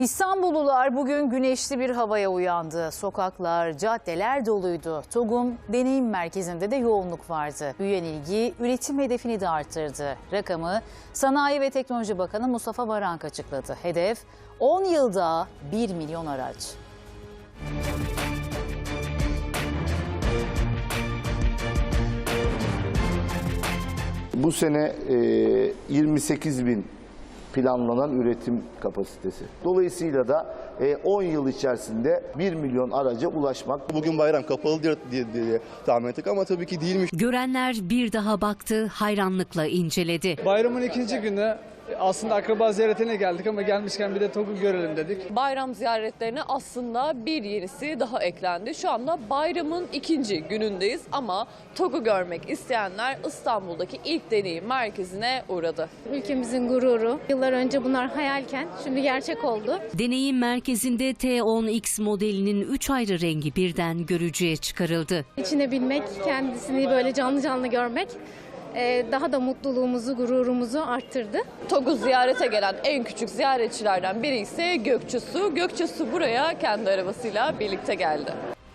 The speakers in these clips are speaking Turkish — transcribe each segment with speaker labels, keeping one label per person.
Speaker 1: İstanbullular bugün güneşli bir havaya uyandı. Sokaklar, caddeler doluydu. TOG'un deneyim merkezinde de yoğunluk vardı. Büyüyen ilgi üretim hedefini de arttırdı. Rakamı Sanayi ve Teknoloji Bakanı Mustafa Varank açıkladı. Hedef 10 yılda 1 milyon araç.
Speaker 2: Bu sene 28 bin planlanan üretim kapasitesi. Dolayısıyla da 10 yıl içerisinde 1 milyon araca ulaşmak.
Speaker 3: Bugün bayram kapalı diye tahmin ettik ama tabii ki değilmiş.
Speaker 4: Görenler bir daha baktı, hayranlıkla inceledi.
Speaker 5: Bayramın ikinci günü aslında akraba ziyaretine geldik ama gelmişken bir de TOG'u görelim dedik.
Speaker 6: Bayram ziyaretlerine aslında bir yenisi daha eklendi. Şu anda bayramın ikinci günündeyiz ama TOG'u görmek isteyenler İstanbul'daki ilk deneyim merkezine uğradı.
Speaker 7: Ülkemizin gururu. Yıllar önce bunlar hayalken şimdi gerçek oldu.
Speaker 4: Deneyim merkezinde T10X modelinin 3 ayrı rengi birden görücüye çıkarıldı.
Speaker 7: İçine binmek, kendisini böyle canlı canlı görmek daha da mutluluğumuzu, gururumuzu arttırdı.
Speaker 6: TOG'u ziyarete gelen en küçük ziyaretçilerden biri ise Gökçe Su. Gökçe Su buraya kendi arabasıyla birlikte geldi.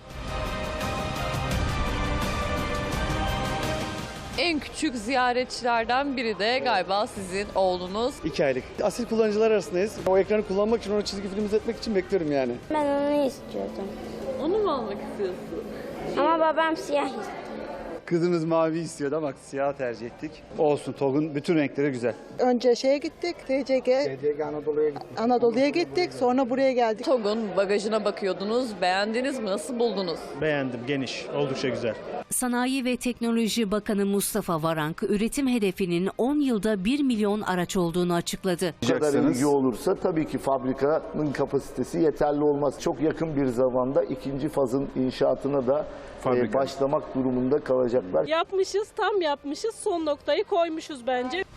Speaker 6: En küçük ziyaretçilerden biri de galiba sizin oğlunuz.
Speaker 5: 2 aylık. Asil kullanıcılar arasındayız. O ekranı kullanmak için, onu çizgi film izletmek için bekliyorum yani.
Speaker 8: Ben onu istiyordum.
Speaker 6: Onu mu almak istiyorsun?
Speaker 8: Ama babam siyah istiyor.
Speaker 5: Kızımız mavi istiyordu ama siyah tercih ettik. Olsun, TOG'un bütün renkleri güzel.
Speaker 9: Önce şeye gittik, TCG Anadolu'ya gittik, sonra buraya geldik.
Speaker 6: TOG'un bagajına bakıyordunuz. Beğendiniz mi? Nasıl buldunuz?
Speaker 10: Beğendim, geniş, oldukça güzel.
Speaker 4: Sanayi ve Teknoloji Bakanı Mustafa Varank, üretim hedefinin 10 yılda 1 milyon araç olduğunu açıkladı.
Speaker 2: Bu kadar ilgi olursa tabii ki fabrikanın kapasitesi yeterli olmaz. Çok yakın bir zamanda ikinci fazın inşaatına da başlamak durumunda kalacaklar.
Speaker 11: Yapmışız, tam yapmışız, son noktayı koymuşuz bence.